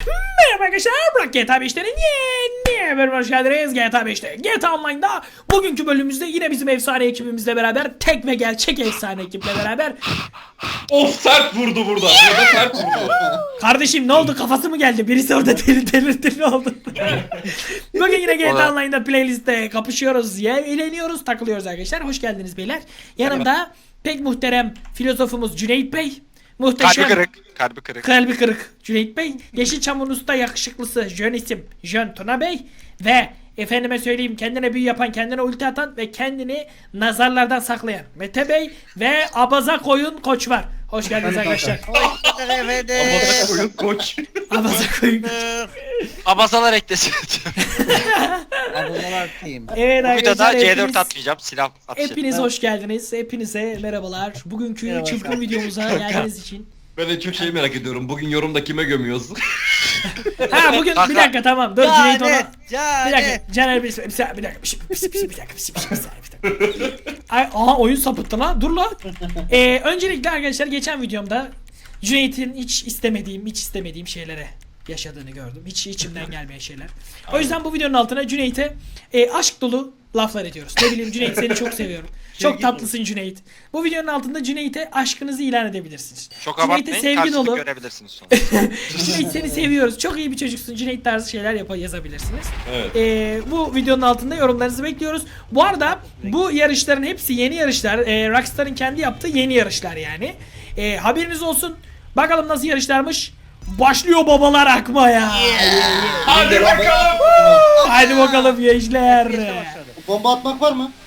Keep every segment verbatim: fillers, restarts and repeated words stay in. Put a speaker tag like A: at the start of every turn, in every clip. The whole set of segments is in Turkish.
A: Merhaba arkadaşlar, Burak G T A beşlerin yeni bölümüne hoş geldiniz. G T A beşte G T A Online'da bugünkü bölümümüzde yine bizim efsane ekibimizle beraber, tek ve gerçek efsane ekiple beraber.
B: Of, sert vurdu burada. Burada sert vurdu.
A: Kardeşim ne oldu, kafası mı geldi? Birisi orada deli delirtti, ne oldu? Bugün yine G T A Online'da playlistte kapışıyoruz, ya eğleniyoruz, takılıyoruz arkadaşlar. Hoş geldiniz beyler. Yanımda pek muhterem filozofumuz Cüneyt Bey. Muhteşem.
C: Kalbi kırık. Kalbi kırık.
A: Kalbi kırık Cüneyt Bey. Yeşilçam'ın usta yakışıklısı Jön isim Jön Tuna Bey. Ve efendime söyleyeyim, kendine büyü yapan, kendine ulti atan ve kendini nazarlardan saklayan Mete Bey. Ve abaza koyun Koç var. Hoş geldiniz arkadaşlar.
B: Abaza koyun Koç.
A: Abaza koyun Koç.
C: Abazalar eklesin.
D: Aboneler team.
A: Evet
C: Bu
A: arkadaşlar,
C: videoda C dört
A: hepiniz,
C: atmayacağım. Silah atacağım.
A: hepiniz hoş geldiniz. Hepinize merhabalar. Bugünkü
D: Merhaba.
A: çılgın videomuza geldiğiniz için.
B: Ben de çok şey merak ediyorum. Bugün yorumda kime gömüyoruz?
A: Ha bugün bir dakika, tamam. Dur Cüneyt ona. Bir dakika. Caner bir, bir, bir dakika. Bir, bir, bir, bir, bir, bir dakika. Bir, bir, bir, bir dakika. Ay, aha oyun sapıttı lan. Dur lan. Ee, öncelikle arkadaşlar, geçen videomda Cüneyt'in hiç istemediğim, hiç istemediğim şeylere yaşadığını gördüm. Hiç içimden gelmeyen şeyler. O yüzden bu videonun altına Cüneyt'e e, aşk dolu laflar ediyoruz. Ne bileyim Cüneyt, seni çok seviyorum. Çok tatlısın Cüneyt. Bu videonun altında Cüneyt'e aşkınızı ilan edebilirsiniz.
C: Çok
A: Cüneyt'e
C: abartmayın.
A: sevgi
C: Karşılık
A: dolu.
C: görebilirsiniz sonra.
A: Cüneyt seni seviyoruz. Çok iyi bir çocuksun. Cüneyt tarzı şeyler yap yazabilirsiniz.
B: Evet.
A: Ee, bu videonun altında yorumlarınızı bekliyoruz. Bu arada bu yarışların hepsi yeni yarışlar. Ee, Rockstar'ın kendi yaptığı yeni yarışlar yani. Ee, haberiniz olsun. Bakalım nasıl yarışlarmış. Başlıyor babalar akmaya.
B: Hadi bakalım.
A: Hadi bakalım gençler.
E: Bomba atmak var mı?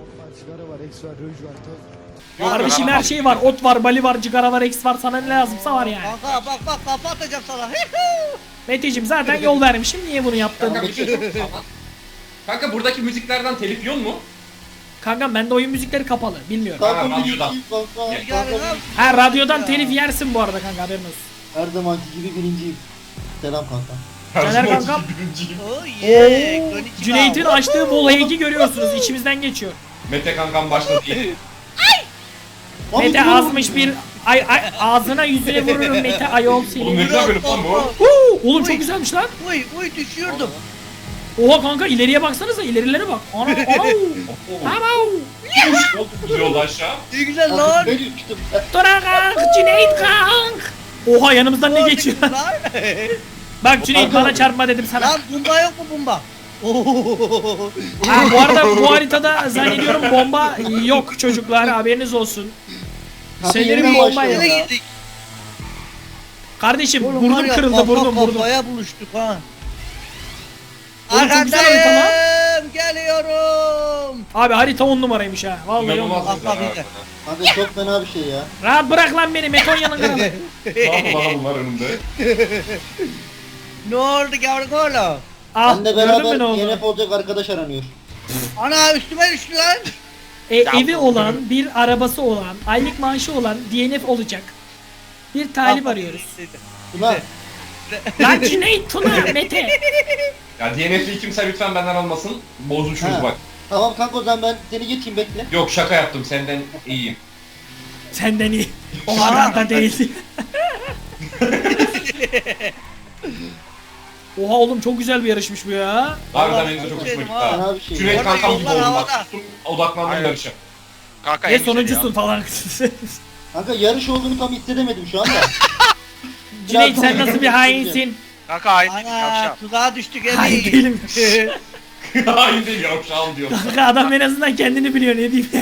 A: Kardeşim her şey var. Ot var, bali var, cigara var, eks var. Sana ne lazımsa var yani.
D: Kanka bak bak kafa atacağım sana.
A: Meteciğim zaten yol vermişim. Niye bunu yaptın?
B: Kanka bir şey yok. Kanka buradaki müziklerden telif yiyor mu?
A: Kankam bende oyun müzikleri kapalı. Bilmiyorum.
B: Ha,
E: Kanka
B: radyodan.
E: birinciyim kanka.
B: Gel,
D: gel,
E: Kanka,
D: gel.
A: Ha, radyodan telif yersin bu arada kanka, haberin olsun.
E: her zamanki gibi birinciyim. Selam kanka.
A: Caner kankam.
D: Oh yeah. Konnichiwa.
A: Cüneyt'in açtığı voleyi görüyorsunuz. İçimizden geçiyor.
B: Mete kankam başladı.
E: Abi,
A: Mete
E: dur.
A: azmış bir ay, ay ağzına yüzüne vururum Mete ayol
B: Oğlum
A: seni.
B: ne güzel bölüm lan bu.
A: Huu, oğlum çok güzelmiş lan.
D: Uy uy düşüyordum.
A: Oha kanka, ileriye baksanıza, ilerilere bak. Ana ana. Tamam.
B: Güzel oldu aşağı.
D: Ne güzel
E: Abi,
D: lan.
E: ben düştüm.
A: Tora kank, Cüneyt kank. Oha yanımızdan ne geçiyor?
D: Lan.
A: Bak Cüneyt,
E: Kanka.
A: bana çarpma dedim sana.
D: Lan bomba yok mu bomba? Oo.
A: Ha, bu arada bu haritada zannediyorum bomba yok çocuklar, haberiniz olsun.
E: Kanka,
A: Şeyleri
E: yeniden
A: bir bomba
E: başlayalım
A: yok.
D: Nereye
E: ya.
D: girdik?
A: Kardeşim
D: Oğlum var
A: burnum
D: ya,
A: kırıldı,
D: kafa
A: burnum burnum.
D: Kafaya buluştuk ha.
A: Oğlum çok güzel harita lan.
D: Arkadayım. Geliyorum.
A: Abi harita on numaraymış ha. Vallahi on numara.
B: İnanılmaz güzel.
D: Allah bilir.
B: ha.
E: Kanka çok fena bir şey ya.
A: Rahat bırak lan beni, Metonya'nın kralı.
B: Ne yaptı bana bunlar önümde?
D: Ne oldu yavrum oğlum?
A: Ah,
E: Benle
A: gördün mü ne
E: beraber
A: oldu?
E: Y N F olacak arkadaş aranıyor.
D: Ana üstüme düştü lan.
A: E, evi olan, bir arabası olan, aylık maaşı olan D N F olacak. Bir talip arıyoruz.
E: Ulan
A: Lan Cüneyt, Tuna, Mete.
B: Ya D N F'li kimse lütfen benden almasın. Bozuşuruz
E: Ha.
B: bak.
E: tamam kanka, o zaman ben seni geçeyim, bekle.
B: Yok, şaka yaptım, senden iyiyim.
A: Senden iyi. O kadar da değil. Oha oğlum, çok güzel bir yarışmış bu ya.
B: Harbiden
D: Allah
B: benim de çok hoşuma
D: dedim
B: gitti
D: ha.
B: ha.
E: Fena bir şey.
B: Cüneyt
D: Orada
B: kankam gibi
D: yollar
B: oldum bak.
D: havada.
B: Sustum, odaklandım
C: Aynen.
B: yarışa.
C: Kanka
A: Ve
C: en güzeli
A: sonuncusun
C: ya.
A: falan.
E: Kanka yarış olduğunu tam hissedemedim şu anda.
A: Cüneyt sen nasıl bir hainsin?
C: Kanka aynı
D: Ana
C: yavşak.
D: tuzağa düştük
A: Hain
D: evi.
A: değilim.
B: Hayır değil, yavşağım diyor.
A: Kanka adam en azından kendini biliyor, ne diyeyim ya.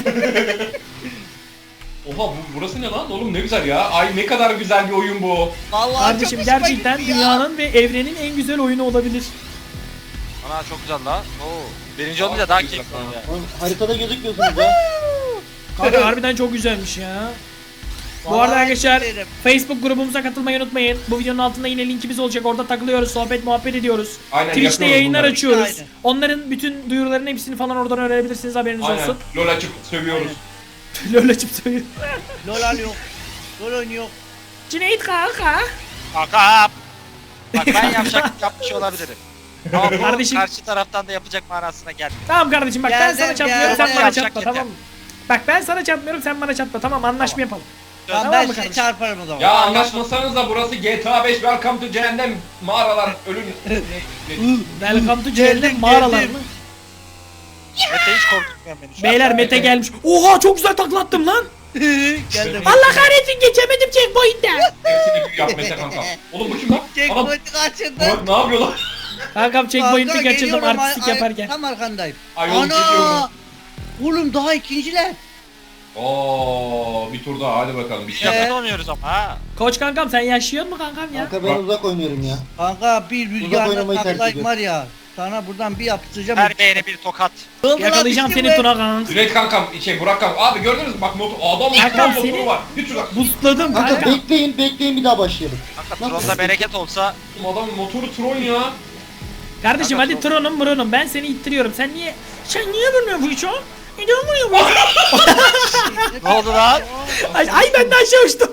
B: Oha, bu, burası ne lan oğlum, ne güzel ya. Ay ne kadar güzel bir oyun bu.
D: Vallahi
A: Kardeşim
D: çok hoşuma
A: gerçekten
D: gitti ya.
A: dünyanın ve evrenin en güzel oyunu olabilir.
C: Ana çok güzel la. Oo. Birinci olunca daha keyifli oluyor.
E: Oğlum, haritada gözükmüyorsunuz ya.
A: Kanka harbiden çok güzelmiş ya. Bu
D: Vallahi
A: arada arkadaşlar
D: isterim.
A: Facebook grubumuza katılmayı unutmayın. Bu videonun altında yine linkimiz olacak. Orada takılıyoruz, sohbet muhabbet ediyoruz.
B: Aynen,
A: Twitch'te
B: yapıyoruz
A: yayınlar
B: bunları.
A: açıyoruz.
D: Aynen.
A: Onların bütün duyuruların hepsini falan oradan öğrenebilirsiniz, haberiniz
B: Aynen.
A: olsun.
B: LOL açıp sövüyoruz.
A: LoL açıp söylüyor.
D: Lol alıyor. Lol oynuyor.
A: Cüneyt kanka.
C: Kanka. Bak ben yavşak yapmış olabilirim. Ama bu
A: Kardeşim-
C: karşı taraftan da yapacak manasına gelmiyor.
A: Tamam kardeşim bak, ben
D: Geldim,
A: sana çatmıyorum, sen
D: geldim.
A: bana
C: Yavşak
A: çatma,
C: yeter.
A: tamam mı? Bak ben sana çatmıyorum, sen bana çatma, tamam, anlaşma yapalım.
D: Tamam,
A: Tamam
D: ben
A: mı
D: size
A: kardeşim?
D: çarparım o zaman.
B: Ya anlaşmasanız da burası G T A beş Welcome to Cehennem mağaralar ölüm.
A: Welcome to
D: Geldim,
A: Cehennem mağaralar
D: geldim.
A: mı?
C: Mete hiç korkutmuyor beni şu an.
A: Beyler Mete gelmiş. Oha çok güzel taklattım lan.
D: Geldim.
A: Allah kahretsin geçemedim checkpoint'te.
B: Hepsini büyü yap Mete kanka. Oğlum bu kim lan? Anam
D: Checkpoint'i kaçırdım.
B: Burak ne yapıyor lan?
A: Kankam checkpoint'i
D: Kanka,
A: kaçırdım
D: geliyorum,
A: artistik
D: ay- ay-
A: yaparken.
D: Tam arkandayım.
B: Ayol geliyorum.
D: Oğlum daha ikinciler.
B: Oo bir tur daha hadi bakalım. Bir
C: Biz
B: şey
D: Ee,
B: yap.
C: yakın oynuyoruz ama ha.
A: Koç kankam sen yaşıyor mu kankam ya?
E: Kanka ben uzak oynuyorum ya.
D: Kanka bir
E: Uzak
D: rüzgarla
E: oynamayı tercih
D: taklayıp
E: ediyorum.
D: var ya. Sana buradan bir yapıştıracağım.
C: Her beğene bir tokat.
D: Oldu lan,
A: Yakalayacağım
D: düştüm
A: seni
D: be.
A: Tuna kanka.
B: Cüneyt kankam şey Burak kankam. Abi gördünüz mü bak motor adam
A: Kankam,
B: motor
A: seni-
B: motoru var. Git şuradan.
A: Boostladım
E: Kanka
A: kanka.
E: bekleyin bekleyin bir daha başlayalım.
C: Kanka
E: Nasıl?
C: Tron'da bereket olsa
B: Adamın motoru Tron ya.
A: Kardeşim
C: Kanka,
A: hadi
C: çok-
A: Tron'um Bruno'm ben seni ittiriyorum. Sen niye sen niye vurmuyorsun bu hiç o? Neden vuruyor bu?
C: ne oldu lan?
A: Ay, ay ben de aşağı uçtum.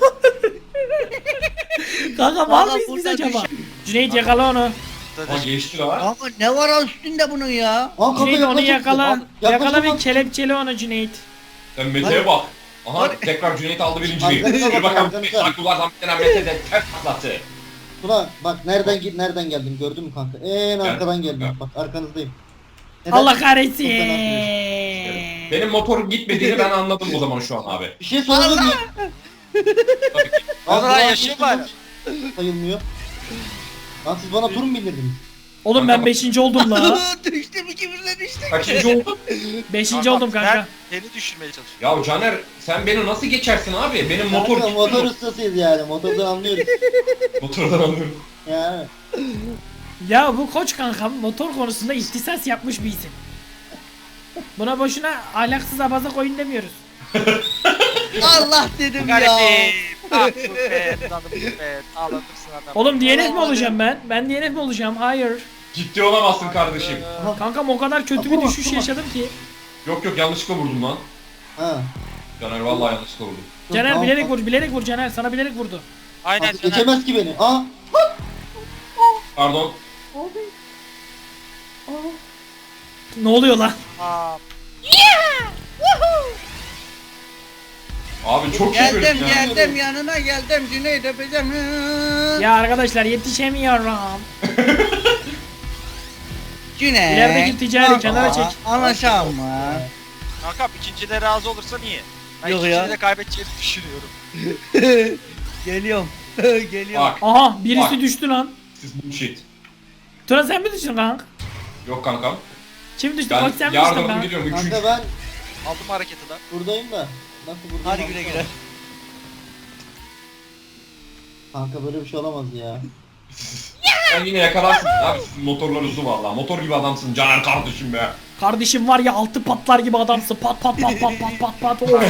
A: Kanka var
D: Kanka,
A: mıyız biz
D: burada
A: acaba?
D: düş-
A: Cüneyt yakala onu.
B: Ha geçti lan.
D: Kanka ne var o üstünde bunun ya?
E: Aa, kanka
A: Cüneyt onu
E: yaklaşık-
A: yakala.
E: Aa,
A: Yakala
E: yaklaşık-
A: ve kelepçeli onu Cüneyt.
B: Sen Mete'ye bak. Aha tekrar Cüneyt aldı birinciliği.
E: Arkadaşlar,
B: Bir bakalım
E: arkadaşlar.
B: Saklılardan bir tane Mete de ters patlattı.
E: Tuna bak nereden git nereden geldim gördün mü kanka? En arkadan geldim
B: Gel.
E: bak arkanızdayım. Neden?
A: Allah kahretsin.
B: Benim motor gitmediğini ben anladım o zaman şu an abi.
E: Bir şey sorabilir miyim?
B: Tabii ki.
C: Onur
E: Ben
C: lan
E: Burak'ın
C: yaşıyor mu hala?
E: Sayılmıyor. Lan siz bana tur mu bindirdiniz?
A: Oğlum ben beşinci oldum la.
D: Düştüm ikimiz de düştük.
B: Kaçıncı oldun?
A: Beşinci oldum kanka.
C: Ben seni düşürmeye çalışıyorum.
B: Ya Caner sen beni nasıl geçersin abi? Benim motor
E: Kanka motor
B: gitmiyor.
E: ustasıyız yani motordan anlıyoruz.
B: Motordan anlıyorum.
E: Yani.
A: Ya bu koç kankam motor konusunda ihtisas yapmış bir isim. Buna boşuna ahlaksız abaza koyun demiyoruz.
D: Allah dedim ya.
C: Garipim. Ah bu be. Tanım bu be. Ağlatırsın adam.
A: Oğlum D N F mi olacağım ben? Ben D N F mi olacağım? Hayır.
B: Ciddi olamazsın kardeşim.
A: Kankam o kadar kötü bir
E: Tamam,
A: düşüş
E: tamam.
A: yaşadım ki.
B: Yok yok yanlışlıkla vurdum lan.
E: Ha.
B: Caner vallahi yanlışlıkla vurdum.
E: Dur,
A: Caner
E: tamam,
A: bilerek
E: tamam.
A: vur, bilerek vur Caner. Sana bilerek vurdu.
C: Aynen
E: Artık
C: Caner.
E: geçemez ki beni. Aa.
B: Pardon.
A: Ne oluyor lan?
C: Aa,
B: Abi çok iyi
D: Geldim
B: bölüm ya.
D: geldim yanına geldim Cüneyt öpeceğim.
A: Ya arkadaşlar yetişemiyorum.
D: Cüneyt.
A: İlerideki ticari kenara çek.
D: Anlaşalım mı?
C: Kankam ikincide razı olursan iyi. Ben
D: Yok
C: ikincide
D: ya.
C: de kaybedeceğini düşünüyorum.
D: Geliyorum. Geliyorum.
B: Bak
A: Aha birisi
B: Bak.
A: düştü lan.
B: siz bullshit.
A: Tuna sen mi düştün kanka?
B: Yok kankam.
A: Kim düştü?
B: Ben
A: Koç sen mi düştün
B: yardım
A: kanka?
B: gidiyorum. Üçüncü.
E: Kanka ben
C: Aldım hareketi de.
E: buradayım da. Nasıl buradayım?
D: Hadi güle güle.
E: Kanka böyle bir şey olamaz ya.
B: Sen yine yakalarsın. Abi sizin motorlar uzun valla. Motor gibi adamsın Caner kardeşim be.
A: Kardeşim var ya altı patlar gibi adamsın. Pat pat pat pat pat pat pat. Of.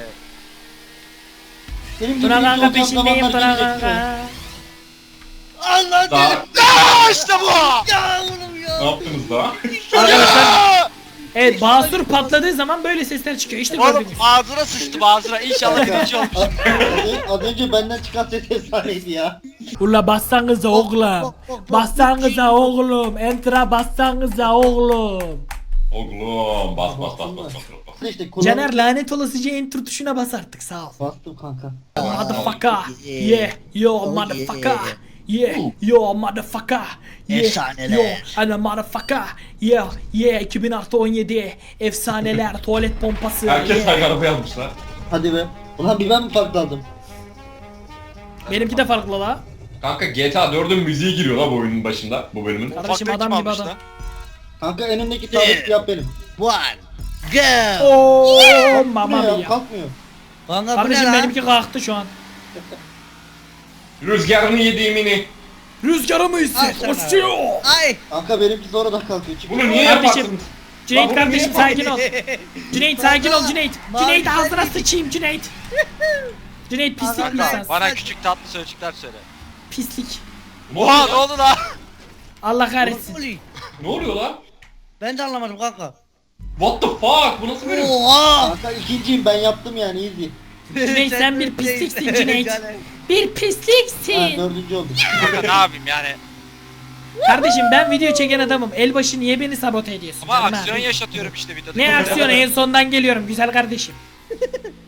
E: Benim gibi
A: Tuna
E: bir
A: kanka
E: olacak
A: peşindeyim
E: zamanlar
A: Tuna
E: gelecek.
A: kanka.
D: Allah
B: Daha
D: dedim.
C: Aa işte bu.
D: Ya oğlum ya.
B: ne yaptınız daha?
A: Arkadaşlar evet basur patladığı zaman böyle sesler çıkıyor. İşte
C: Oğlum
A: gördünüz.
C: ağzına sıçtım ağzına. İnşallah birinci olmuş.
E: Az, az- az önce benden çıkan ses efsaneydi ya.
A: Ula bassanıza oğlum. Bassanıza oğlum. Enter'a bassanıza oğlum.
B: Oğlum bas bas bas bas bas. bas.
E: İşte kulağım-
A: Caner lanet olasıca enter tuşuna bas artık sağ ol.
E: Bastım kanka.
A: Motherfucker. Yeah. Yo motherfucker. Yeah. Yo motherfucker. Yeah.
D: Efsaneler.
A: Yo ana motherfucker. Yeah. Yeah. iki bin on yedi. Efsaneler. Tuvalet pompası.
B: Herkes
A: Yeah.
B: aynı araba yazmışlar.
E: Hadi be. Ulan bir ben mi farklandım?
A: Benimki de farklı la.
B: Kanka G T A dördün müziği giriyor la bu oyunun başında. Bu bölümün.
A: Kardeşim
C: Ufaklık
A: adam
C: kim
A: gibi
C: almış
A: adam.
C: lan?
E: Kanka en öndeki sabit yap benim.
D: One. Go.
A: Oo
E: Kalkmıyor
A: mamma
E: ya,
A: mia.
E: kalkmıyor.
D: Kanka bu ne
A: Kardeşim
D: lan?
A: benimki kalktı şu an.
B: Rüzgarını yediğimini.
A: Rüzgarı mı
D: Al
A: hisset?
D: sana.
A: Koşuyor.
D: Ay.
E: Kanka benimki sonradan kalkıyor. Çık.
B: Bunu niye
A: Kardeşim,
B: yaparsın?
A: Cüneyt
B: Lan bunu
A: kardeşim
B: niye
A: sakin ol. Cüneyt sakin ol Cüneyt.
D: Mavi
A: Cüneyt
D: sen
A: ağzına
D: misin?
A: sıçayım Cüneyt. Cüneyt pislik bir
C: Kanka
A: insan.
C: bana küçük tatlı sözcükler söyle.
A: Pislik.
B: Ne
C: Oha
B: oluyor
C: ne
B: lan?
C: oldu lan?
A: Allah kahretsin.
D: Oluyor.
B: Ne oluyor lan?
D: Ben de anlamadım kanka.
B: What the fuck? Bu nasıl bölüm?
D: Oha.
E: Kanka ikinciyim ben yaptım yani easy.
A: Cüneyt sen bir pisliksin Cüneyt.
D: Caner.
A: Bir
E: Ha
A: pisliksin.
E: dördüncü oldum.
C: Kanka ne yapayım yani?
A: Kardeşim ben video çeken adamım. Elbaşı niye beni sabote ediyorsun?
C: Ama
A: canım
C: aksiyon
A: abi?
C: yaşatıyorum işte videoda.
A: Ne aksiyonu en sondan geliyorum güzel kardeşim.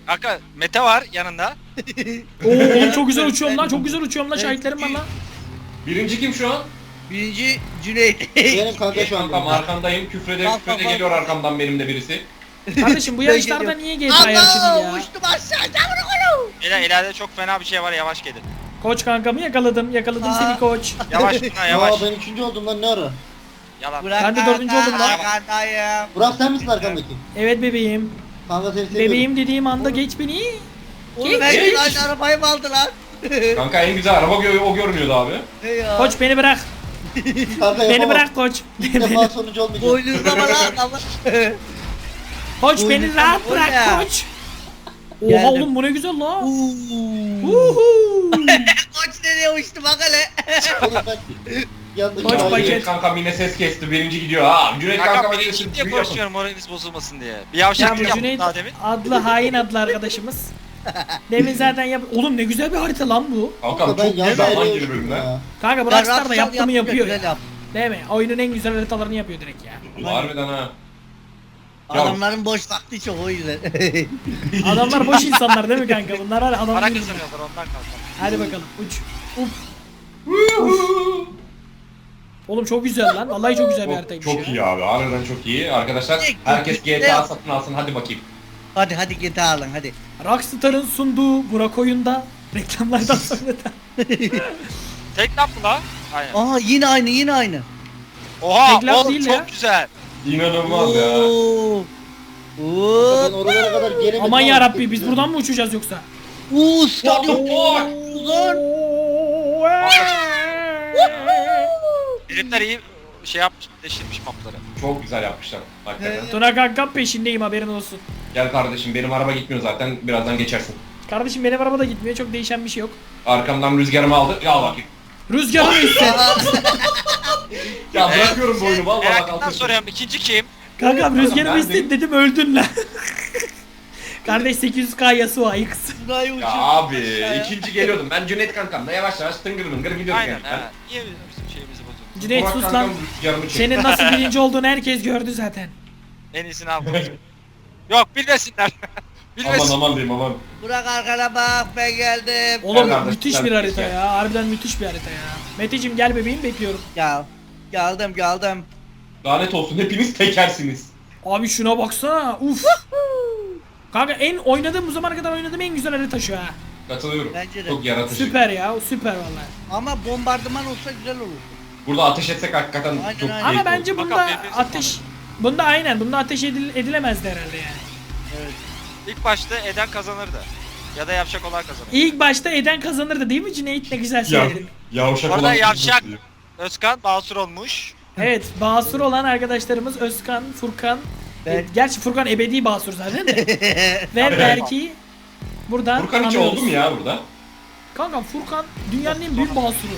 C: Kanka Mete var yanında.
A: Oo oğlum çok güzel uçuyorum lan. Çok güzel uçuyorum lan. Şahitlerim var lan.
B: Birinci kim şu an?
D: Birinci Cüneyt.
E: Benim kanka şu an.
B: Kankam arkandayım. Küfrede
D: Bak,
B: küfrede
D: bak,
B: geliyor arkamdan benim de birisi.
A: Kardeşim bu yarışlarda niye G T A yarışını
D: Allah
A: ya?
D: uçtum aşağıda bunu.
C: Ela ileride çok fena bir şey var, yavaş gelin.
A: Koç kankamı yakaladım. Yakaladım
D: Aa.
A: seni koç.
C: Yavaş buna yavaş.
E: Aa ben üçüncü oldum lan ne ara?
C: Yalan.
D: Burak
A: Ben de dördüncü oldum lan.
D: Arkandayım.
E: Burak sen misin arkamdaki?
A: Evet bebeğim.
E: Kanka seni seviyorum.
A: Bebeğim dediğim anda geç beni.
D: Oğlum herkes aynı arabayı mı aldı lan?
B: Kanka en güzel araba gö- o görünüyordu abi.
D: Ne ya?
A: Koç beni bırak.
E: Kanka
A: Beni
E: yapamam.
A: bırak koç.
E: İlk defa sonucu olmayacağım.
D: Boynuzlama lan ama.
A: Koç beni
D: Buyurun.
A: rahat
D: O
A: bırak
D: ne?
A: koç. Oha
D: Geldim.
A: oğlum bu ne güzel la.
D: Uuu.
A: Uhu.
D: Koç nereye uçtu bak hele.
E: Oğlum ben yanlış
A: Koç
E: hayır.
A: paket.
B: Cüneyt kankam yine ses kesti. Birinci gidiyor. Ha Cüneyt
C: Kanka
B: kankam
C: birinci
B: birinci
C: diye
B: gidiyor.
C: konuşuyorum, moraliniz bozulmasın diye. Bir
A: Ya
C: yavşaklık
A: bu
C: yaptım
A: Cüneyt
C: daha demin.
A: adlı hain adlı arkadaşımız. Demin zaten yap... Oğlum ne güzel bir harita lan bu.
B: Kankam
E: Kanka ben
B: çok
E: yan
B: güzel zaman
E: daireye
B: gibi
E: uçtum
B: bölümler.
E: ya.
A: Kanka bu
D: Ben
A: Rockstar da
D: Rockstar
A: yaptı mı yapıyor
D: güzel
A: ya.
D: yap.
A: Değil mi? Oyunun en güzel haritalarını yapıyor direkt ya.
B: Harbiden ha.
D: Adamların boş vakti çok o yüzden.
A: Adamlar boş insanlar değil mi kanka? Bunlar hala adam
C: Para
A: değil.
C: kazanıyorlar ondan kanka.
A: Hadi bakalım uç. Uf. Oğlum çok güzel lan. Vallahi çok güzel bir
B: Çok,
A: haritaymış
B: çok
A: ya.
B: iyi abi. Harbiden çok iyi. Arkadaşlar
D: Tek-
B: herkes
D: tek-
B: G T A
D: tek-
B: satın alsın. Hadi bakayım.
D: hadi hadi git alın hadi.
A: Rockstar'ın sunduğu Burak oyunda reklamlardan sonra da.
C: Tek laf mı lan? Aynen.
D: Aha yine aynı yine aynı.
C: Oha
A: tek laf
C: oğlum
A: değil
C: çok
A: ya.
C: güzel.
B: İnanılmaz ya.
D: Oo.
E: Ben
D: Oo.
E: oralara kadar gelemedim.
A: Aman
E: ama
A: ya Rabbi
E: gittim.
A: biz buradan mı uçacağız yoksa?
D: Oo stadyum.
B: What
D: Uzun.
C: Herifler iyi şey yapmış, deşirmiş mapları.
B: Çok güzel yapmışlar. Hakikaten.
A: Tuna kankam peşindeyim haberin olsun.
B: Gel kardeşim benim araba gitmiyor zaten. Birazdan geçersin.
A: Kardeşim benim araba da gitmiyor çok değişen bir şey yok.
B: Arkamdan rüzgarımı aldı. Ya bakayım.
A: Rüzgarı ise.
B: Ya bırakıyorum bu oyunu vallahi bak
C: Meraklıktan
B: altın.
C: soruyorum, ikinci kim?
A: Kankam rüzgarı
B: Ben de-
A: istedi dedim öldün lan. Kardeş sekiz yüz K Yasuo ayıks.
D: Burayı
B: Ya
D: uçur.
B: abi ikinci geliyordum. Ben Cüneyt kankamla yavaş yavaş tıngır mıngır gidiyorduk
C: Aynen
B: gerçekten.
C: ha. Niye bizim şeyimizi bozuyorsun?
A: Cüneyt
B: Burak
A: sus
B: kankam
A: lan.
B: rüzgarımı çekti.
A: Senin nasıl birinci olduğunu herkes gördü zaten.
C: En iyisini aldım. Yok bilmesinler.
B: Aman
C: Bilmesin.
B: aman diyeyim aman.
D: Burak arkana bak ben geldim.
A: Oğlum
B: Gel kardeş,
A: müthiş
B: gel,
A: bir harita
B: gel.
A: ya. Harbiden müthiş bir harita ya. Meteciğim gel bebeğim bekliyorum.
D: Gel. Geldim geldim.
B: Lanet olsun hepiniz tekersiniz.
A: Abi şuna baksana. Uf. Kanka en oynadığım bu zamana kadar oynadığım en güzel harita şu ha.
B: Katılıyorum.
D: Bence de.
B: Çok yaratıcı.
A: Süper ya. Süper vallahi.
D: Ama bombardıman olsa güzel olur.
B: Burada ateş etsek hakikaten
D: Aynen,
B: çok
D: aynen.
A: Ama
B: keyifli
A: bence
B: olur.
A: bunda
C: Bakalım, birbirimizi
A: ateş bunda aynen bunda ateş edil, edilemezdi herhalde yani.
D: Evet.
C: İlk başta Eden kazanırdı. Ya da yavşak olan kazanır.
A: İlk başta Eden kazanırdı değil mi Cüneyt? Ne güzel
B: Ya,
A: söyledin.
B: yavşak
C: Orada
B: olan
C: yavşak.
B: kızı.
C: Özkan basur olmuş.
A: Evet, basur olan arkadaşlarımız Özkan, Furkan.
D: Ben-
A: E, gerçi Furkan ebedi basur zaten de. Ve Berk'i buradan
B: Furkan hiç
A: anıyoruz.
B: oldu mu ya burada?
A: Kanka Furkan dünyanın en büyük basuru.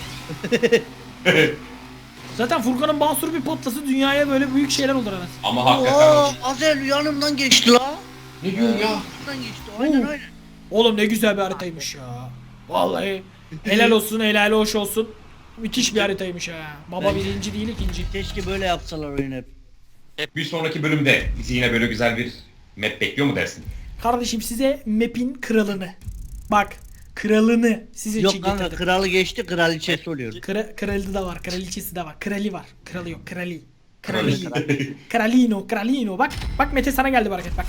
A: Zaten Furkan'ın basuru bir patlası dünyaya böyle büyük şeyler olur anasını.
B: Ama hakikaten.
D: Oo, Azel yanımdan geçti la.
B: Ne diyorsun ya?
D: Yanımdan geçti. Aynen
A: Oo.
D: aynen.
A: Oğlum ne güzel bir haritaymış ya. Vallahi helal olsun, helal hoş olsun. Müthiş bir haritaymış ha. Baba
D: Bence-
A: birinci değil ikinci.
D: Keşke böyle yapsalar oyunu hep.
B: Bir sonraki bölümde bizi yine böyle güzel bir map bekliyor mu dersin?
A: Kardeşim size map'in kralını. Bak, kralını sizin için
D: Yok kanka
A: getirdim.
D: kralı geçti kraliçesi oluyor.
A: Kra kralı da var, kraliçesi de var. Krali var. Kralı yok, krali.
B: Krali.
A: Krali. Kralino, kralino. Bak, bak Mete sana geldi bu hareket bak.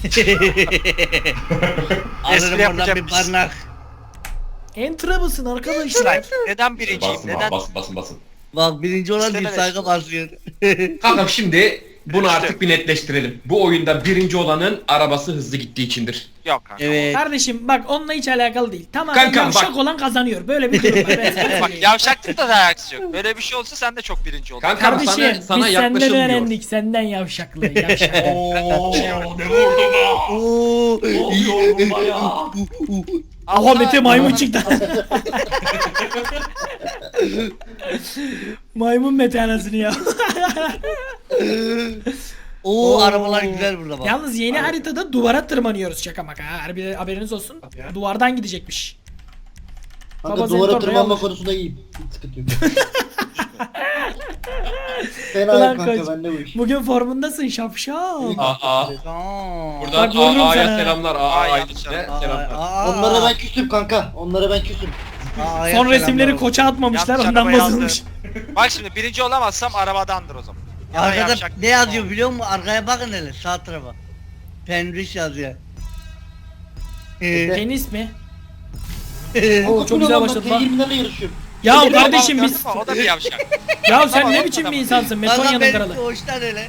D: Alırım oradan
C: yapacağım
D: bir
C: biz.
D: barnak.
A: Enter'a basın arkadaşlar.
C: Neden birinciyim?
B: Basın
C: Neden?
B: abi, basın basın basın.
D: Bak birinci olan
C: İşte
D: bir
C: böyle
D: saygı
C: işte.
D: basıyor.
B: Kankam şimdi bunu
C: İşte.
B: artık bir netleştirelim. Bu oyunda birinci olanın arabası hızlı gittiği içindir.
C: Yok kanka.
D: Evet.
A: Kardeşim bak onunla hiç alakalı değil. Tamamen
B: Kankam,
A: yavşak
B: bak.
A: olan kazanıyor. Böyle bir durum var. Ben sana
C: Bak
A: söyleyeyim.
C: yavşaklıkta da alakası yok. Böyle bir şey olsa sen de çok birinci oldun.
B: Kankam
A: Kardeşim
B: sana, sana
A: biz senden
B: yaklaşılmıyor.
A: öğrendik. Senden yavşaklığı. Yavşak.
B: Ooo ne vurdu be?
D: Oo.
B: Ne oluyor bunda ya?
A: Aha Mete maymun çıktı. Maymun Mete anasını ya.
D: Oo
A: Oo.
D: arabalar güzel burada bak.
A: Yalnız yeni haritada duvara tırmanıyoruz şaka maka ha. Harbi haberiniz olsun.
B: ya.
A: Duvardan gidecekmiş.
E: Kanka
A: Baba
E: duvara
A: Zentor
E: tırmanma
A: Real.
E: konusunda iyiyim. Hiç sıkıntı yok. Fena
A: Ulan
E: yok kanka
A: koç.
E: bende bu iş.
A: Bugün formundasın şapşal.
B: Aa, aa.
D: Aa.
B: Buradan
A: Bak, vururum
B: A A'ya
A: sana.
B: selamlar. A
C: Aa,
B: A'ya
C: yanlış
B: selamlar.
D: Aa,
E: Onlara ben küstüm kanka. Onlara ben küstüm.
D: aa,
A: Son
D: ayak
A: resimleri
D: selamlar.
A: koça atmamışlar
C: Yanlış
A: ondan
C: araba yazdı.
A: bozulmuş.
C: Bak şimdi birinci olamazsam arabadandır o zaman. Ya da
D: Arkada
C: yapacak-
D: ne yazıyor biliyor musun? Arkaya bakın hele sağ tarafa. Penriş yazıyor. Ee,
A: Penis mi?
E: Oo,
A: çok güzel başladı
E: T
A: lan.
E: yirmilerle yarışıyorum.
A: Ya
C: Birinci
A: kardeşim
C: olamaz
A: biz...
C: gördün mü? O da bir yavşak.
A: Ya sen
C: Tamam,
A: ne
C: o
A: biçim
C: kadar.
A: bir insansın?
D: Kanka
A: Metonya'nın
D: benim
A: kralı.
D: doğuştan öyle.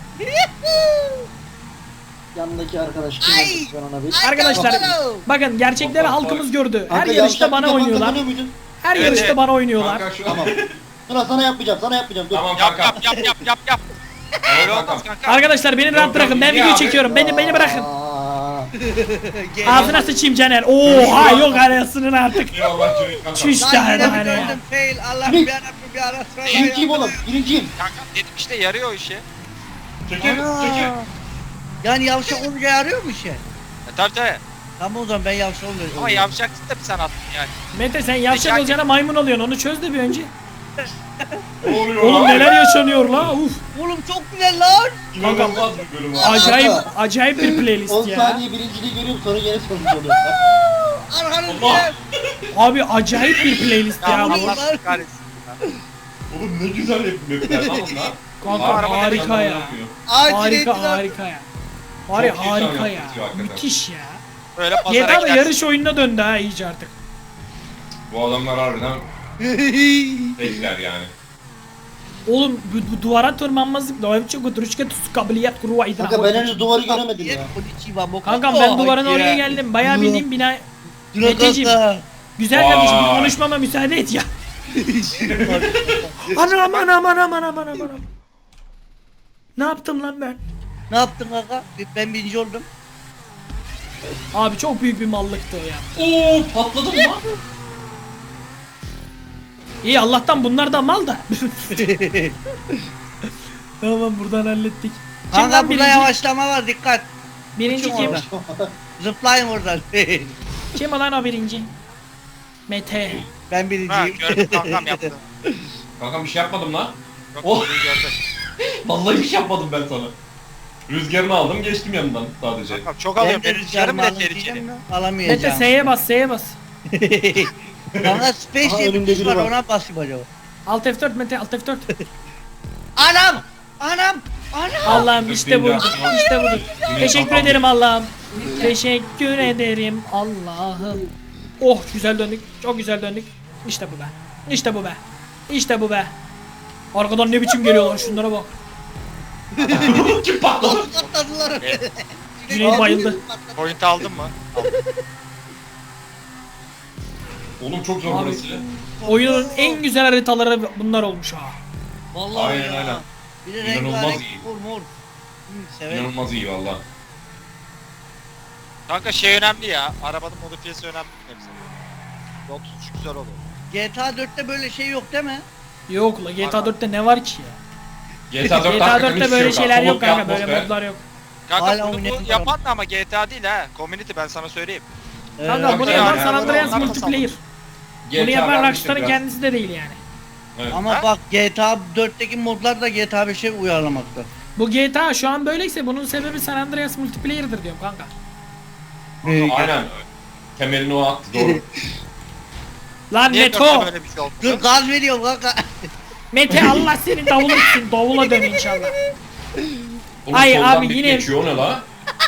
E: Yanındaki arkadaş kim
D: Ay!
E: yazmış ben ona bir.
A: Arkadaşlar
D: Ay,
A: bakın gerçekleri
B: Bak, bak,
A: halkımız gördü. Her
E: Kanka,
A: yarışta
E: yavşak
A: bana
E: bir de
A: oynuyorlar.
E: kanka tanıyor muydun?
A: Her
C: Evet,
A: yarışta
C: evet.
A: bana oynuyorlar.
B: Kanka şu.
E: Tamam. Dur sana yapmayacağım sana yapmayacağım dur.
B: Tamam
C: Yap
B: kanka.
C: yap yap yap yap yap. Öyle
B: Tamam
C: olmaz
B: kanka.
C: kanka.
A: Arkadaşlar beni rahat
B: Yok,
A: bırakın.
B: yok,
A: Ben
B: iyi
A: video
B: abi.
A: çekiyorum. Beni beni bırakın.
E: Aa,
D: Gel.
A: Ağzına sıçayım Caner. Oha yok arasının artık.
B: Eyvallah Cüneyt kanka.
A: Çüş
D: Lan
A: tane
D: yine mi
A: tane.
D: döndüm fail Allah
E: Ne?
D: bir yarabbim bir arasına
E: Birinciyim oğlum birinciyim.
C: Kanka dedim işte yarıyor o işi.
B: Çekil çekil.
D: Yani yavşak olunca yarıyor mu şey?
C: E tabi tabi.
D: Tamam o zaman ben yavşak oluyorum.
C: Ama yavşaksın da bir sen attın yani.
A: Mete sen yavşak
C: Rica-
A: olacağına maymun oluyorsun. Onu çöz de bir önce.
B: Ne oluyor
A: Oğlum
B: lan?
A: neler yaşanıyor la. Uf.
D: Oğlum çok güzel lan.
B: İnanılmaz bir bölüm abi.
A: Acayip acayip bir playlist
E: on
A: ya.
E: saniye birinciliği görüyorum sonra gene sonuç oluyor.
D: Arkanızda.
B: Allah.
A: Abi acayip bir playlist
C: Ya
A: ya.
C: Allah
A: bu.
D: Allah.
C: kahretsin.
B: Oğlum ne güzel yapımlar lan bunlar.
A: Kanka
B: Harbi
A: harika ya.
B: yapıyor.
A: Harika harika ya. Var ya
B: Çok iyi
A: harika
B: sanat
A: ya.
B: yapıyor hakikaten.
A: Müthiş ya.
C: Böyle
A: G
C: pazara
A: T A'da
C: gidersin.
A: yarış oyununa döndü ha iyice artık.
B: Bu adamlar harbiden bekler yani.
A: Oğlum bu, bu duvara tırmanmazlık da hep çok oturuşka tusu kabiliyet kuruva idra.
E: Kanka ben henüz duvarı göremedim ya.
A: Kankam ben duvarın oraya geldim. Bayağı bildiğim bina Meteciğim. güzel kardeşim bir
B: Vay.
A: konuşmama müsaade et ya. Anam anam anam anam anam anam. Ne yaptım lan ben?
D: Ne yaptın kanka? Ben birinci oldum.
A: Abi çok büyük bir mallıktı o ya.
B: Oo patladım lan.
A: İyi Allah'tan bunlar da mal da. Tamam buradan hallettik. Kim
D: Kanka
A: lan
D: burada
A: birinci?
D: yavaşlama var dikkat.
A: Birinci
D: Uçun
A: kim?
D: oradan. Zıplayın oradan.
A: Kim olan o birinci? Mete.
D: ben
C: Ha
D: birinciyim.
C: gördüm kankam yaptı.
B: Kankam bir şey yapmadım lan.
C: Yok
B: Oh.
C: bunu gördüm.
B: Vallahi bir şey yapmadım ben sana. Rüzgarını aldım geçtim yanından sadece.
C: Kankam çok
D: Ben
C: alıyorum.
D: de
C: Benim rüzgarım
D: rüzgarımı
C: bile
D: alın diyeceğim
C: tehlikeli.
D: mi?
A: Mete
D: Alamayacağım.
A: S'ye bas S'ye bas.
D: Kanka space
E: Aha,
D: diye bir
E: önümde
D: tuş
E: biri
D: var
E: var.
D: ona basayım acaba.
A: Alt F dört Mete alt F dört.
D: Anam! Anam! Anam!
A: Allah'ım işte budur. İşte budur. Teşekkür ederim Allah'ım. Teşekkür ederim Allah'ım. Oh güzel döndük. Çok güzel döndük. İşte bu be. İşte bu be. İşte bu be. Arkadan ne biçim geliyorlar şunlara bak.
B: Kim patladı?
D: Nasıl katladılar?
A: Cüneyt bayıldı.
C: Point aldın mı?
B: Oğlum çok zor
A: Abi.
B: burası.
A: Oyunun en güzel haritaları bunlar olmuş ha.
D: Vallahi
B: Aynen,
D: ya.
B: aynen.
D: Bir de
B: İnanılmaz
D: rengarenk
B: iyi.
D: mor mor. Hı, severim.
B: İnanılmaz iyi valla.
C: Kanka şey önemli ya. Arabanın modifiyesi önemli hepsi. Yol tutuşu güzel olur.
D: G T A dörtte böyle şey yok değil mi?
A: Yok la G T A dörtte ne var ki ya?
B: G T A dörtte
A: G T A
B: hakikaten
A: dörtte
B: hiçbir
A: böyle
B: şey yok
A: şeyler
B: abi.
A: yok
B: Soluk bir
A: kanka böyle
B: atmosfer.
A: modlar yok.
C: Kanka
D: Hala
C: bunu bu
D: oynayamıyorum.
C: yapan da ama G T A değil ha. Community ben sana söyleyeyim.
A: Kanka
D: Ee,
A: bunu
B: ya,
A: yapan
B: ya,
A: San
B: ya,
A: Andreas
C: ya, ya.
A: multiplayer.
B: G T A
A: Bunu yapan
B: vermiştir
A: Rockstar'ın
B: biraz.
A: kendisi de değil yani.
B: Evet.
D: Ama
C: Ha?
D: bak G T A dörtteki modlar da G T A beşe uyarlamakta.
A: Bu G T A şu an böyleyse bunun sebebi San Andreas multiplayer'dır diyorum kanka.
D: Ee,
B: Aynen. Temelini o attı doğru.
A: Lan
C: Niye
A: Meto!
C: dörtte böyle bir şey oldu?
D: Dur gaz veriyorum kanka.
A: Mete Allah seni davul etsin. Davula dön inşallah.
B: Oğlum
A: Ay
B: soldan
A: abi
B: bir
A: yine-
B: geçiyor o ne la?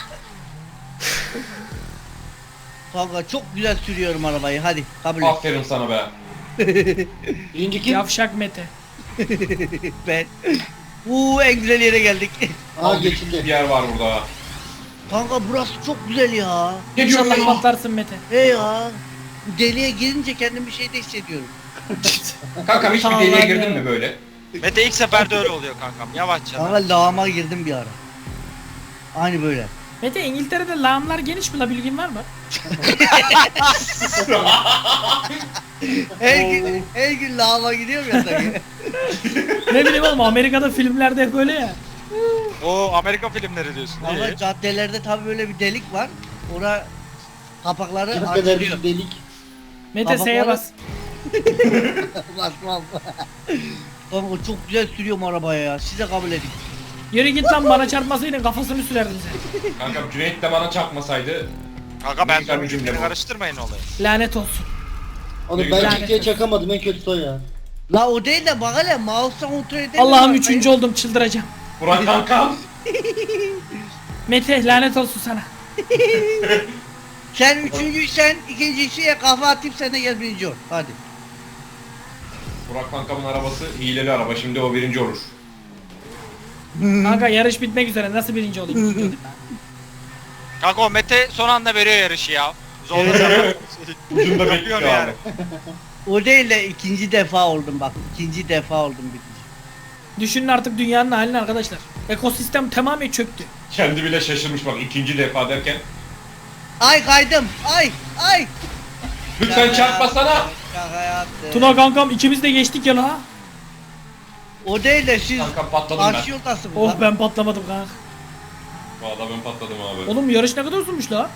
D: Kanka çok güzel sürüyorum arabayı hadi kabul et.
B: Aferin sana be.
E: Birinci kim?
A: Yavşak Mete.
D: Ben. Uuu en güzel yere geldik.
E: Aa
B: Bir
E: geçildi.
B: yer var burada.
D: Kanka burası çok güzel ya.
B: Ne diyorsun
A: İnşallah
B: lan?
A: patlarsın Mete.
D: He ya. Bu deliğe girince kendim bir şey de hissediyorum.
B: Kankam hiç bir
A: Tamam
B: deliğe
A: ya.
B: girdin mi böyle?
C: Mete ilk seferde öyle oluyor kankam. Yavaşça.
D: Kanka lağıma girdim bir ara. Aynı böyle.
A: Mete İngiltere'de lağımlar geniş mi la bilgin var mı?
D: Her gün, her gün lağıma gidiyorum ya sanki.
A: Ne bileyim oğlum Amerika'da filmlerde hep böyle ya.
C: Oo Amerika filmleri diyorsun.
D: Ama
C: İyi.
D: caddelerde tabi böyle bir delik var. Ora kapakları
E: Ne kadar
D: açılıyor.
E: bir delik.
A: Mete S'ye
D: Babakları-
A: bas.
D: Basmam. Kanka çok güzel sürüyorum arabaya ya. Size kabul edin.
A: Yürü git lan, bana çarpmasaydın kafasını sürerdin sen.
B: Kanka Cüneyt de bana çarpmasaydı.
C: Kanka ben
B: Güzel bir
C: son
B: cümle
C: cümle
B: bu.
C: karıştırmayın olayı.
A: Lanet olsun.
E: Oğlum
B: Ne
E: ben
B: güzel.
E: ciddiye çakamadım en kötüsü o ya.
D: La o değil de bak hele mouse'dan kontrol edelim.
A: Allah'ım üçüncü oldum, çıldıracağım.
B: Burak kankam.
A: Mete lanet olsun sana.
D: Sen üçüncüysen ikincisiye kafa atayım sen de gel birinci ol. Hadi.
B: Burak kankamın arabası hileli araba. Şimdi o birinci olur.
A: Kanka yarış bitmek üzere, nasıl birinci olayım?
C: Kanka o Mete son anda veriyor yarışı ya. Zorla
B: Ucunda bekliyor
C: Yapıyor
B: abi.
C: yani.
D: O değil de ikinci defa oldum bak. İkinci defa oldum birinci.
A: Düşünün artık dünyanın halini arkadaşlar. Ekosistem tamamen çöktü.
B: Kendi bile şaşırmış bak ikinci defa derken.
D: Ay kaydım. Ay ay.
B: Lütfen çarpmasana.
D: Şaka yaptım.
A: Tuna kankam ikimiz de geçtik ya la.
D: O değil de siz
B: Kanka patladım ben.
D: karşı yoldasınız
A: Oh
D: lan.
A: ben patlamadım kanka.
B: Valla ben patladım abi.
A: Oğlum yarış ne kadar uzunmuş la.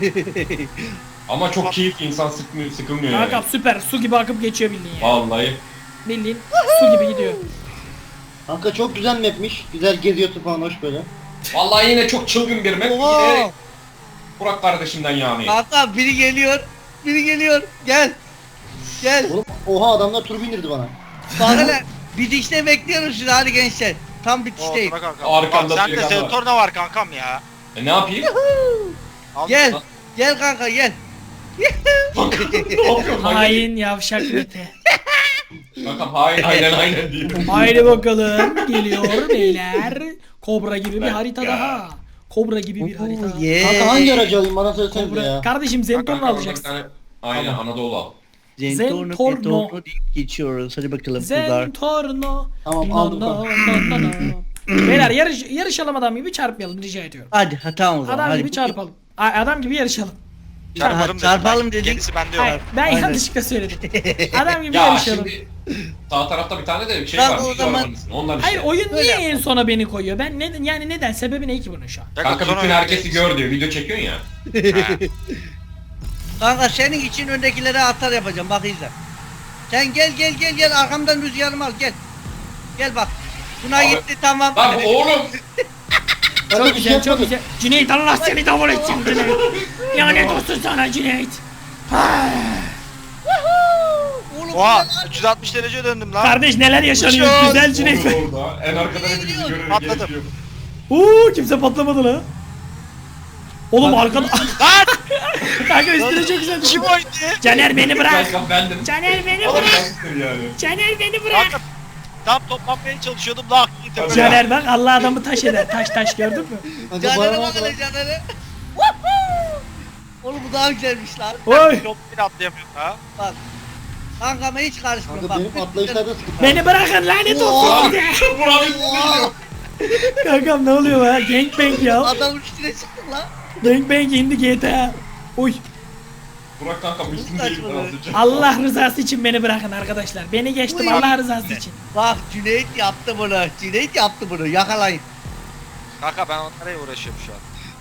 B: Ama çok keyifli, insan sıkmıyor, sıkılmıyor
A: Kankam
B: yani.
A: süper, su gibi akıp geçiyor bildiğin ya.
B: Vallahi.
A: Bildiğin su gibi gidiyor.
E: Kanka çok güzel mapmiş. Güzel geziyorsun falan hoş böyle.
B: Vallahi yine çok çılgın bir map.
D: Oha.
B: Yine Burak kardeşimden yani.
D: Kanka biri geliyor. Biri geliyor. Gel. Gel.
E: Oğlum oha adamlar tur bindirdi bana.
D: Bak hele. Bitişte bekliyoruz sizi hadi gençler. Tam
C: O
D: bitişteyim.
C: Tuna kanka.
B: Arkamda
C: Bak, sen de
B: Tuna var.
C: Zentorno var kankam ya.
B: E ne yapayım?
C: Al-
D: Gel. Gel kanka gel.
B: ne yapıyorum lan?
A: Hain yavşak Mete.
B: Kankam hain aynen aynen diyeyim.
A: Haydi bakalım geliyor beyler. Kobra gibi bir harita
B: Ya.
A: daha. Kobra gibi bir harita.
D: Oo, yeah.
E: Kanka hangi aracı alayım bana söylesene
A: Kobra.
E: ya.
A: Kardeşim Zentorno
B: Kanka, bir
A: alacaksın.
B: tane- Aynen Anadolu al.
D: Zentorno
A: Zentorno.
D: Zentorno deyip geçiyoruz. Hadi bakalım kızlar.
A: Zentorno.
E: Tamam,
A: No,
E: aldım
A: no,
E: kanka.
A: no, no, no. Beyler yarış, yarışalım adam gibi, çarpmayalım rica ediyorum.
D: Hadi ha tamam o zaman.
A: Adam
D: hadi.
A: gibi çarpalım. A- Adam gibi yarışalım.
C: Çarparım
D: Ha,
C: dedim
D: çarpalım
C: ben.
D: dedik.
C: Gerisi bende yok.
A: Hayır, ben
D: Aynen.
A: yanlışlıkla söyledim. Adam gibi
B: Ya
A: yarışalım.
B: şimdi sağ tarafta bir tane de şey
D: Kanka,
B: var.
D: o
B: Şu
D: zaman-
B: arabanın ismi. Ondan işte.
A: Hayır, oyun
D: Öyle
A: niye
D: yapalım.
A: en sona beni koyuyor? Ben ne, yani neden? Sebebi ne ki bunun şu an?
B: Kanka
C: sonra
B: bütün
C: öyle
B: herkesi
C: değil.
B: gör diyor. Video çekiyorsun ya.
C: Ha.
D: Kanka senin için öndekilere atar yapacağım bak izle. Sen gel gel gel gel arkamdan rüzgarımı al gel. Gel bak. Buna
B: Abi-
D: gitti tamam.
B: Lan oğlum.
E: Ben de
A: Çok
E: bir şey
A: güzel, çok
E: yapmadım.
A: güzel. Cüneyt Allah seni davul etsin Cüneyt. Lanet olsun sana Cüneyt.
D: Oğlum
C: Oha
D: güzel lan.
C: üç yüz altmış derece döndüm lan.
A: Kardeş neler yaşanıyor
C: Uçuyor.
A: güzel Cüneyt.
B: Orada, orada. En arkadan hepimizi görür.
C: Patladım.
B: geçiyor.
A: Uuu kimse patlamadı la. Oğlum arkada...
C: Lan
A: Kanka üstüne çok güzel.
C: kim oydu?
A: Caner beni bırak.
B: Kanka bendim.
A: Caner beni
B: Oğlum
A: bırak.
B: sensin yani.
A: Caner beni bırak.
C: Kanka tam toplanmaya çalışıyordum lan.
B: Tabii.
A: Caner bak Allah adamı taş eder. Taş taş gördün mü?
E: Kanka
D: Caner'e
E: bana
D: bak
E: bak.
D: hele Caner'e. Oğlum bu daha güzelmiş lan.
A: Oy.
C: Yok bile atlayamıyorum ha.
D: Bak. Kankama hiç karışmıyorum
E: Kanka
D: bak.
E: benim atlayışlarda sıkıntı.
A: Beni bırakın lanet olsun size.
B: Burak üstüne gidiyor.
A: Kankam ne oluyor ya? Gangbang ya.
D: Adam üstüne çıktı lan.
A: Gangbang indi G T A. Uy.
B: Burak kanka üstündeyim
D: Saçma
B: ben
D: be.
B: az önce.
A: Allah rızası için beni bırakın arkadaşlar. Beni geçtim
D: Uy.
A: Allah rızası için.
D: Bak Cüneyt yaptı bunu. Cüneyt yaptı bunu. Yakalayın.
C: Kanka ben onlara uğraşıyorum şu an.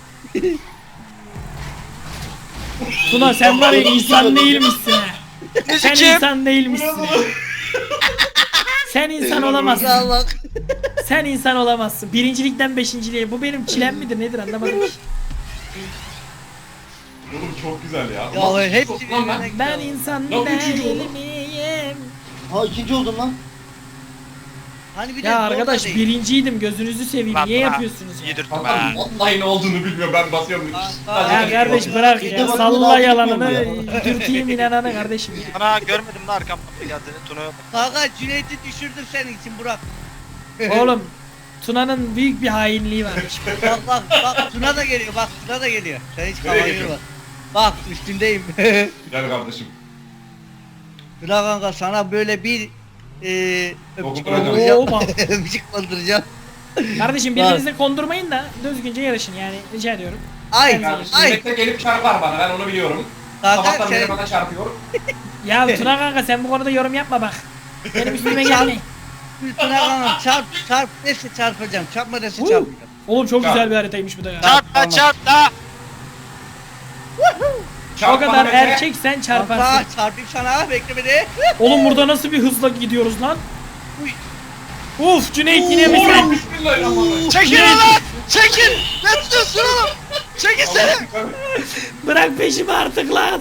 A: Tuna sen var ya insan değilmişsin ha. Sen
C: Müzikim.
A: insan değilmişsin. ha. Sen insan olamazsın.
D: Ya bak.
A: Sen insan olamazsın. Birincilikten beşinciliğe. Bu benim çilem midir nedir anlamadım ki.
B: Oğlum çok güzel ya.
D: Ya
B: Nasıl
D: hepsi
B: çok lan ben?
D: birbirine
A: Ben
D: gidiyor.
A: insan
B: Lan üçüncü
A: değil
B: oldum.
A: miyim?
E: Ha ikinci oldum lan.
D: Hani bir de
A: Ya
D: zor da
A: arkadaş
D: değil.
A: birinciydim gözünüzü seveyim.
C: Lan
A: Niye
C: bana
A: yapıyorsunuz ya?
C: Yedirttim
B: Kanka
C: ha.
B: vallahi ne olduğunu bilmiyor ben basıyorum.
D: Aa,
B: Sadece
A: Ya
B: tek
A: kardeş
B: basıyorum.
A: bırak
E: Bir
A: ya.
E: de bak,
A: Salla
E: daha
A: yalanını.
E: bilmiyorum
A: Dürteyim inananı kardeşim ya.
C: Ana görmedim de arkamdan bir geldiğini Tuna'ya bak.
D: Kanka Cüneyt'i düşürdüm senin için Burak.
A: Oğlum Tuna'nın büyük bir hainliği varmış.
D: Bak bak bak Tuna da geliyor bak Tuna da geliyor. Sen hiç
B: Nereye
D: kafayı
B: geçiyorsun?
D: yorma. Bak üstündeyim.
B: Gel kardeşim.
D: Tuna kanka sana böyle bir eee öpücük
B: Dokunduracağım.
A: Oo, bak.
D: konduracağım. Öpücük konduracağım.
A: Kardeşim birbirinize kondurmayın da düzgünce yarışın yani rica ediyorum.
D: Ay
B: Kardeşim
D: ay.
B: Mete gelip çarpar bana ben onu biliyorum.
D: Kanka
B: Sabahtan beri
D: sen
B: bana çarpıyor.
A: Ya Tuna kanka sen bu konuda yorum yapma bak. Benim üstüme gelmeyin.
D: Tuna kanka çarp çarp neyse çarpacağım. Çarpma neyse
A: Woo.
D: çarpacağım.
A: Oğlum çok
B: Çarp.
A: güzel bir haritaymış bu da ya.
C: Çarp da çarp da.
A: O
B: Çarp bana
A: kadar
B: Mete.
A: erkeksen çarparsın.
D: Kanka çarpayım sana bekle beni.
A: Oğlum burada nasıl bir hızla gidiyoruz lan?
D: Uy.
A: Uf Cüneyt yine mi sen?
B: Oğlum bismillahirrahmanirrahim.
C: Çekil lan! Çekil! Ne tutuyorsun oğlum? Çekil seni!
A: Bırak peşimi artık lan.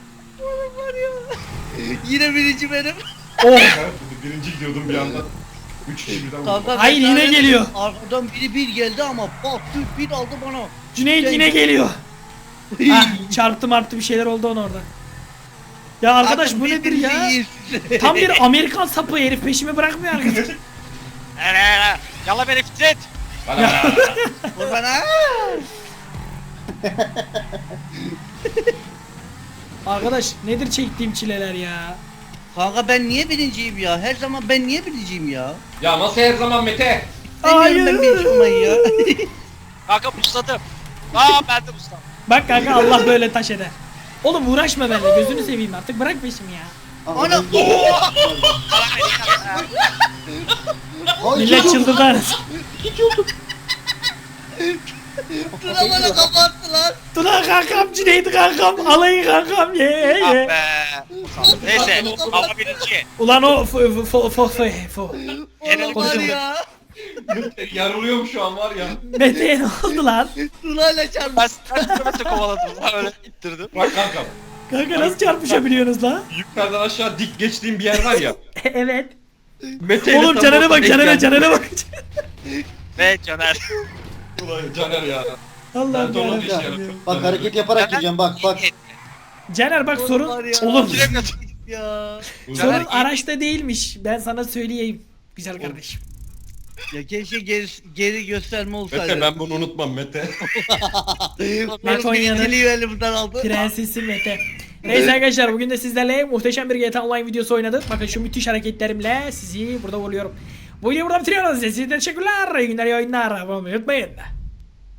D: Yine birinci benim.
A: Oh.
B: Birinci gidiyordum bir anda. Üç kişi birden vurdu.
D: Kanka
A: Hayır, yine
D: ben-
A: geliyor.
D: Arkadan biri bir geldi ama bak Türk bir aldı bana.
A: Cüneyt yine geliyor. Ah, çarptı marptı bir şeyler oldu ona orada. Ya arkadaş bu nedir ya? Tam bir Amerikan sapı herif peşimi bırakmıyor arkadaş.
C: Hele hele! Yalla beni fitret!
B: Bana bana.
D: Vur bana.
A: Arkadaş nedir çektiğim çileler ya?
D: Kanka ben niye birinciyim ya? Her zaman ben niye birinciyim ya?
B: Ya nasıl her zaman Mete?
D: Demiyorum ben birinci olmayı ya.
C: Kanka busladım. Aa ben de busladım.
A: Bak kanka Allah böyle taş eder. Oğlum uğraşma benimle gözünü seveyim artık bırak peşimi ya.
D: Ana.
E: Ay,
A: Millet
E: çok-
A: çıldırdı arası.
D: Tuna bana kapattı lan.
A: Tuna kankam Cüneyt kankam alayı kankam ye ye
C: Ah
A: ye.
C: be. Neyse ama birinci.
A: Ulan o fo fo fo fo fo.
C: Genel
D: Oğlum var
A: konuşamadım.
D: ya.
B: Yarılıyorum şu an var ya.
A: Mete'ye ne oldu lan?
D: Tuna ile çarptı.
C: Ben kaç kilometre kovaladım lan öyle ittirdim.
B: Bak kankam.
A: Kanka nasıl çarpışabiliyorsunuz lan?
B: Yukarıdan aşağı dik geçtiğim bir yer var ya.
A: Evet.
B: Mete ile
A: Oğlum
B: tam
A: Caner'e bak
B: denk
A: Caner'e
B: geldi.
A: Caner'e bak.
C: Ve Caner.
B: Ulan Caner ya.
A: Allah'ım
B: Ben de onu
A: yarabbim.
B: işaret-
E: Bak hareket yaparak gireceğim bak bak.
A: Caner bak sorun
D: var ya.
A: oğlum
C: Kilometre.
D: Ya.
A: sorun
C: Caner-
A: araçta değilmiş. Ben sana söyleyeyim güzel kardeşim.
D: Ya keşke geri, geri gösterme olsaydı.
B: Mete ben bunu unutmam Mete.
A: Met Konya'nın
D: Birinciliği elimden aldı.
A: Prensesi Mete. Neyse arkadaşlar bugün de sizlerle muhteşem bir G T A Online videosu oynadık. Bakın şu müthiş hareketlerimle sizi burada vuruyorum. Bu videoyu burada bitiriyoruz. Size teşekkürler. İyi günler, iyi oyunlar. Abone olmayı unutmayın.